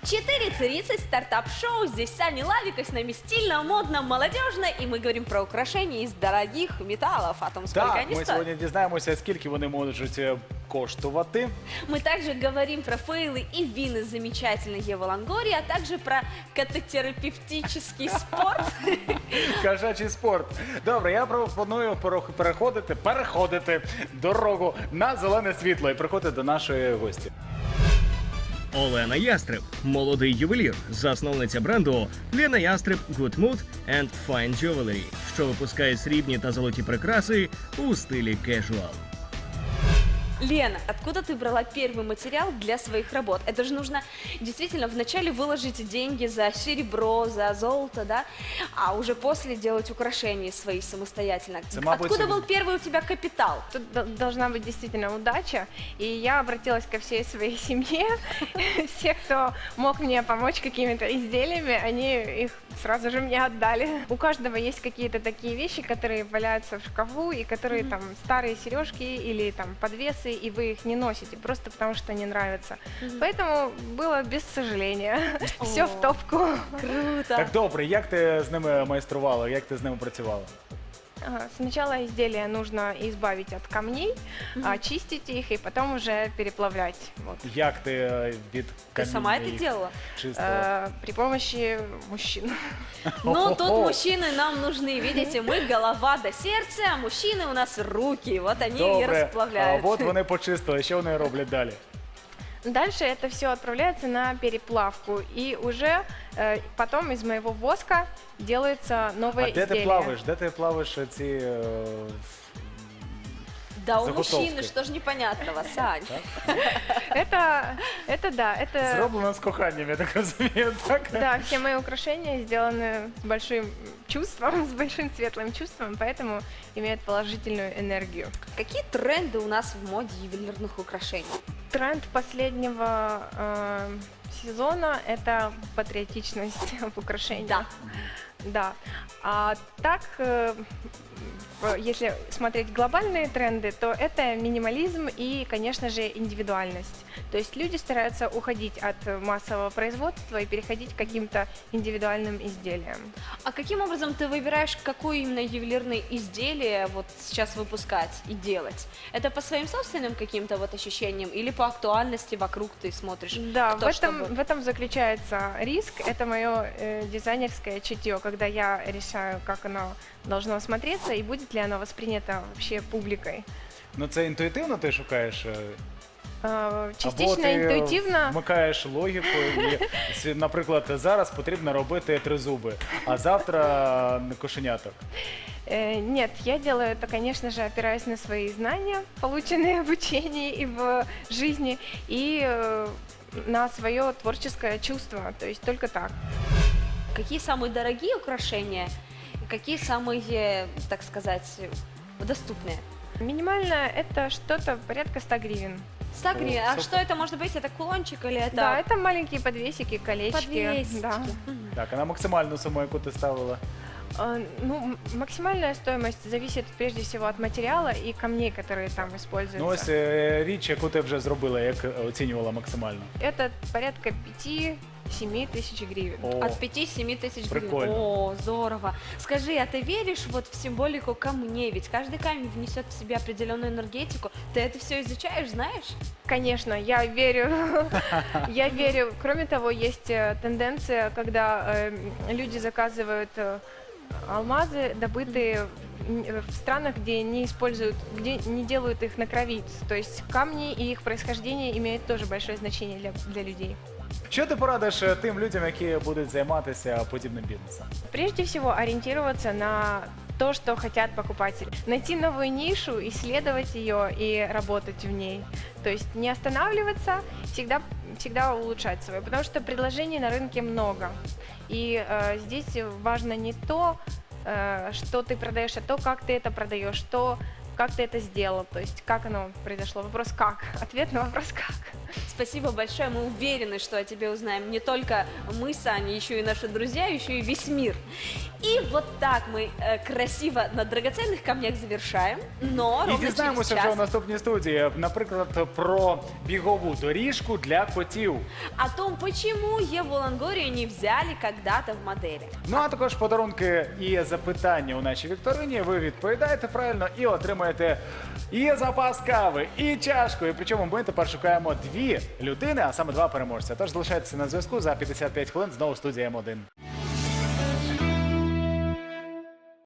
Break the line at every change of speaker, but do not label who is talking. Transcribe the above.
4:30 стартап-шоу. Здесь Саня Лавика, с нами стильно, модно, молодежно. И мы говорим про украшения из дорогих металлов, о том, сколько
Так,
они
ми
стоят.
сьогодні дізнаємося, скільки вони можуть коштувати.
Мы также говорим про фейлы и вины замечательной Евы Лонгории, а также про катотерапевтический спорт.
Кошачий спорт. Добре, я пропоную переходити дорогу на зелене світло і приходити до нашої гості.
Олена Ястреб, молодий ювелір, засновниця бренду Лена Ястреб Good Mood and Fine Jewelry, що випускає срібні та золоті прикраси у стилі casual.
Лена, откуда ты брала первый материал для своих работ? Это же нужно действительно вначале выложить деньги за серебро, за золото, да? А уже после делать украшения свои самостоятельно. Откуда был первый у тебя капитал?
Тут должна быть действительно удача, и я обратилась ко всей своей семье, все, кто мог мне помочь какими-то изделиями, они их сразу же мне отдали. У каждого есть какие-то такие вещи, которые валяются в шкафу, и которые там старые сережки или там подвесы, и вы их не носите, просто потому что не нравятся. Поэтому было без сожаления. Все в топку.
Круто.
Так, добре, як ти з ними майструвала, як ти з ними працювала?
Сначала изделие нужно избавить от камней, очистить их и потом уже переплавлять. Вот.
Як ти від
Ты
каміння
сама это
їх
делала?
чистила?
При помощи мужчин.
Ну, тут мужчины нам нужны. Видите, мы голова до сердца, а мужчины у нас руки. Вот они и
Добре,
расплавляют.
от вони почистили, що вони роблять далі?
Дальше это все отправляется на переплавку, и уже потом из моего воска делается новое
А де
изделие.
ти плаваєш? Де ти плаваєш ці...
Да, у
заготовки?
мужчины, что ж непонятного, Сань?
Это да, это...
Зроблено з коханням, я так розумію, так?
Да, все мои украшения сделаны с большим чувством, с большим светлым чувством, поэтому имеют положительную энергию.
Какие тренды у нас в моде ювелирных украшений?
Тренд последнего сезона – это патриотичность в украшениях.
Да.
Да. А так, если смотреть глобальные тренды, то это минимализм и, конечно же, индивидуальность. То есть люди стараются уходить от массового производства и переходить к каким-то индивидуальным изделиям.
А каким образом ты выбираешь, какое именно ювелирное изделие вот сейчас выпускать и делать? Это по своим собственным каким-то вот ощущениям или по актуальности вокруг ты смотришь?
Да,
кто
в этом заключается риск. Это мое дизайнерское чутье, когда я решаю, как оно должно смотреться и будет ли оно воспринято вообще публикой.
Ну це інтуїтивно ти шукаєш?
Частично
Або ти
інтуїтивно.
вмикаєш логіку і, наприклад, зараз потрібно робити тризуби, а завтра кошеняток.
Нет, я делаю это, конечно же, опираясь на свои знания, полученные в обучении и в жизни, и на свое творческое чувство, то есть только так.
Какие самые дорогие украшения, какие самые, так сказать, доступные?
Минимально это что-то порядка 100 гривен.
100 гривен. А
супер.
что это может быть? Это кулончик или это
Да, это маленькие подвесики, колечки.
подвесики?
Да.
Так, а на максимальну суму, яку ти ставила?
Ну, максимальная стоимость зависит прежде всего от материала и камней, которые там используются.
Ну ось річ, яку ти вже зробила, як оцінювала максимально.
Это порядка 5-7 тысяч гривен.
О,
От 5-7 тысяч гривен.
Прикольно.
О, здорово. Скажи, а ты веришь вот в символику камней? Ведь каждый камень внесет в себя определенную энергетику. Ты это все изучаешь, знаешь?
Конечно, я верю. Я верю. Кроме того, есть тенденция, когда люди заказывают алмазы, добытые в странах, где не используют, где не делают их на крови. То есть камни и их происхождение имеют тоже большое значение для людей.
Що ти порадиш тим людям, які будуть займатися подібним бізнесом?
Прежде всего, ориентироваться на то, что хотят покупатели. Найти новую нишу, исследовать ее и работать в ней. То есть не останавливаться, всегда улучшать свое, потому что предложений на рынке много. И здесь важно не то, что ты продаешь, а то, как ты это продаешь, как ты это сделал, то есть как оно произошло. Вопрос как, ответ на вопрос как.
Спасибо большое. Мы уверены, что о тебе узнаем не только мы с Аней, еще и наши друзья, еще и весь мир. И вот так мы красиво на драгоценных камнях завершаем, но
І
ровно
дізнаємося
через
вже у
час
наступній студії, наприклад, про бігову доріжку для котів.
о том, почему Еву Лонгорию не взяли когда-то в модели.
Ну а також подарунки і запитання у нашій вікторині. Ви відповідаєте правильно і отримаєте і запас кави, і чашку. І причому ми тепер шукаємо 2 людини, а саме 2 переможця. Тож залишайтеся на зв'язку за 55 хвилин знову студія М1.